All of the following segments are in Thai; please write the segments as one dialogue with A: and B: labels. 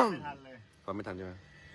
A: ทันเลย
B: ฟังไม่ทันใช่ไหม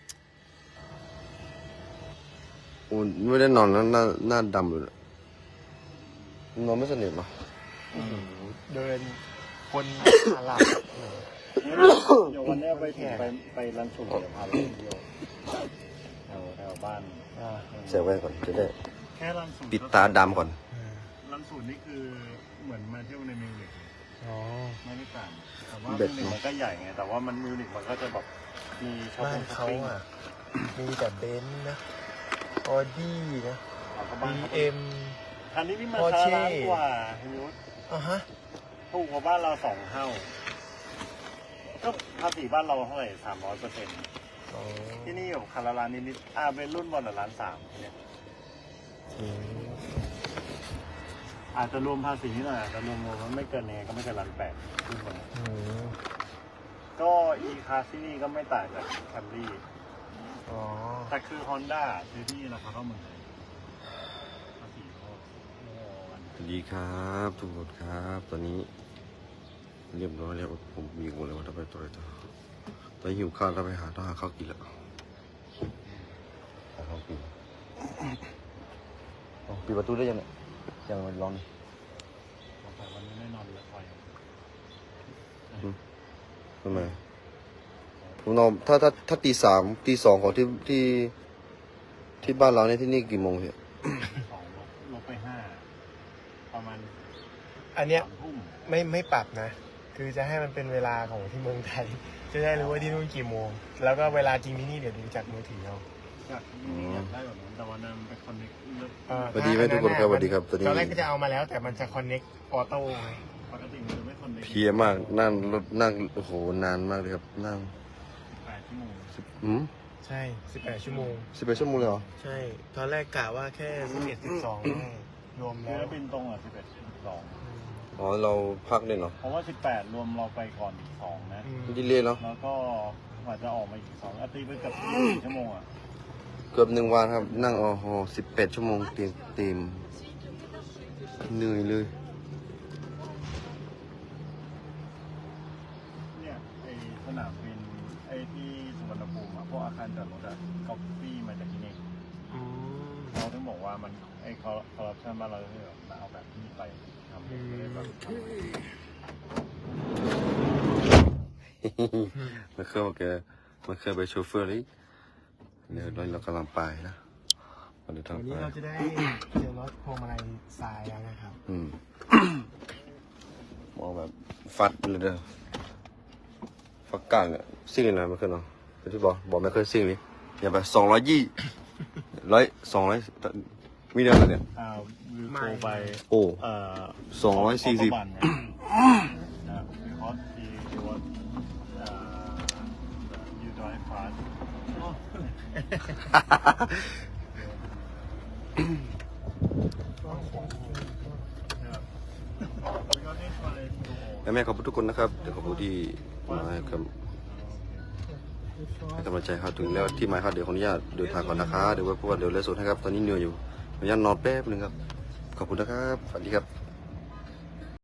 B: โอ้ไม่ได้นอนแล้วหน้าดำเลยนอนไม่สนิทหรอ
C: เดินคนหลับ
A: เดี๋ยววันนี้ไปรันสูตรเดี๋ยวพาไปเที่ยวแถวบ้าน
B: ใส่แว่นก่อนจะได้
A: แค่รันสูตร
B: ปิดตาดำก่อน
A: รันสูตรนี่คือเหมือนมาเที่ยวในมิวนิก
C: อ๋อ
A: ไม่ได้ต่างแต่ว่ามิวนิกมันก็ใหญ่ไงแต่ว่ามันมิวนิกมันก็จะแบบมีช็อป
C: บ้าน
A: ปิ้ง
C: เขาอ่ะมีแต่เบนซ์นะออดี้นะ
A: บ้าน
C: BM
A: คันนี้นี่มัน
C: Porsche
A: ล้านกว่าพี่ยุทธ
C: อ่ะฮะ
A: ถูกกว่าบ้านเรา2 เท่าก็ภาษีบ้านเราเท่าไหร่300%
C: อ๋อ
A: ที่นี่อยู่คันละล้านนิดๆเป็นรุ่นบอลละ1.3 เนี่ย
C: อืม
A: อาจจะรวมภาษีหน่อยแต่รวมมันไม่เกินยังไงก็ไม่เกิน1.8รุ่นบอล
C: อืม
A: ก็อีคาที่นี่ก็ไม่ต่างจากแคมรี่
C: อ๋อ
A: แต่คือ Honda ซื้อที่ราคาเท่าเมืองไทยภาษีเขาโง่กัน
B: สวัสดีครับทุกคนครับตอนนี้เรียบร้อยแล้วผมมีหมดเลยว่าจะไปตัวไหนต่อตอนหิวข้าวต้องหาข้าวกินแล้วหาข้าวกินปิดประตูได้ยังเนี่ยยังมันร้อน
A: แต่วันนี้ไม่นอนเรือไฟ
B: ทำไมผมนอนถ้าตี 3 ตี 2ของที่บ้านเราเนี่ยที่นี่กี่โมงพี่
A: 2ลบไป5ประมาณ
C: อันเนี้ย
A: 3 ทุ่ม
C: ไม่ปรับนะ คือจะให้มันเป็นเวลาของที่เมืองไทย จะได้รู้ว่าที่นู่นกี่โมง แล้วก็เวลาจริงที่นี่เดี๋ยวดูจากมือถือเอา
A: อยากได้แบบนั้นแต่วันนั้นเป็นคอนเนคเลือก
B: สวัสดีไหมทุกคนครับสวัสดีครับตอนนี้
C: ตอนแรกก็จะเอามาแล้วแต่มันจะคอนเน็กออโต้ไง
A: ปกติมันจะไม่คอนเนค
B: เพลียมากนั่งรถนั่งโอ้โหนานมากเลยครับนั่ง
A: 8 ชั่วโมง
C: ใช่18 ชั่วโมง
B: 11 ชั่วโมงเลยเหรอ
C: ใช่ ตอนแรกกะว่าแค่11 12รวม
A: เรื
C: แล้
A: อ
C: ว
A: บินตรง11 12
B: อ๋อเราพักเนี่ยเหรอ
A: เพราะว่า18รวมเราไปก่อนอีก2นะ
B: ดีเลยเนาะ
A: แล้วก็กว่าจะออกมาอีก2ตีไปเกือบ4 ชั่วโมงอ่ะ
B: เกือบ1 วันครับนั่งโอ้โห18 ชั่วโมงเต็มเหนื่อยเลย
A: เนี่ยไอสนามบินไอที่สุวรรณภูมิอ่ะพวกอาคารจอดรถอ่ะก๊อปปี้มาจากที่นี่เราถึงบอกว่ามันไอคอร์รัปชันบ้านเราที่แบบเอาแบบนี้ไปทำไม่ได้แบบทำ
B: มันเคยไปโชเฟอร์เลยเดี๋ยวเรากำลังไปนะวันนี้ทาง
C: วัน
B: ไป
C: นี้เราจะได้เจอรถพวงมาลัยทรายแล้วนะครับ
B: มองแบบฟัดเลยเด้อฟักกลางเนี่ยซิ่งเลยนะไม่เคยเนาะเป็นที่บอกไม่เคยซิ่งเลยอย่าแบบ220 200มีเดียวกันเนี่ย
A: วิวโคไป
B: โอ้ 240
A: บันเนี่ยนะคอสที่ว่ายูดอยฟาส
B: และแม่ขอบคุณทุกคนนะครับเดี๋ยวขอบคุณที่มาให้กำลังใจครับถึงแล้วที่หมายครับเดี๋ยวขออนุญาตเดินทางก่อนนะคะเดี๋ยวไว้พบกันเดี๋ยวเลสโซนให้ครับตอนนี้เหนื่อยอยู่ขออนุญาตนอนแป๊บนึงครับขอบคุณนะครับสวัสดีครับ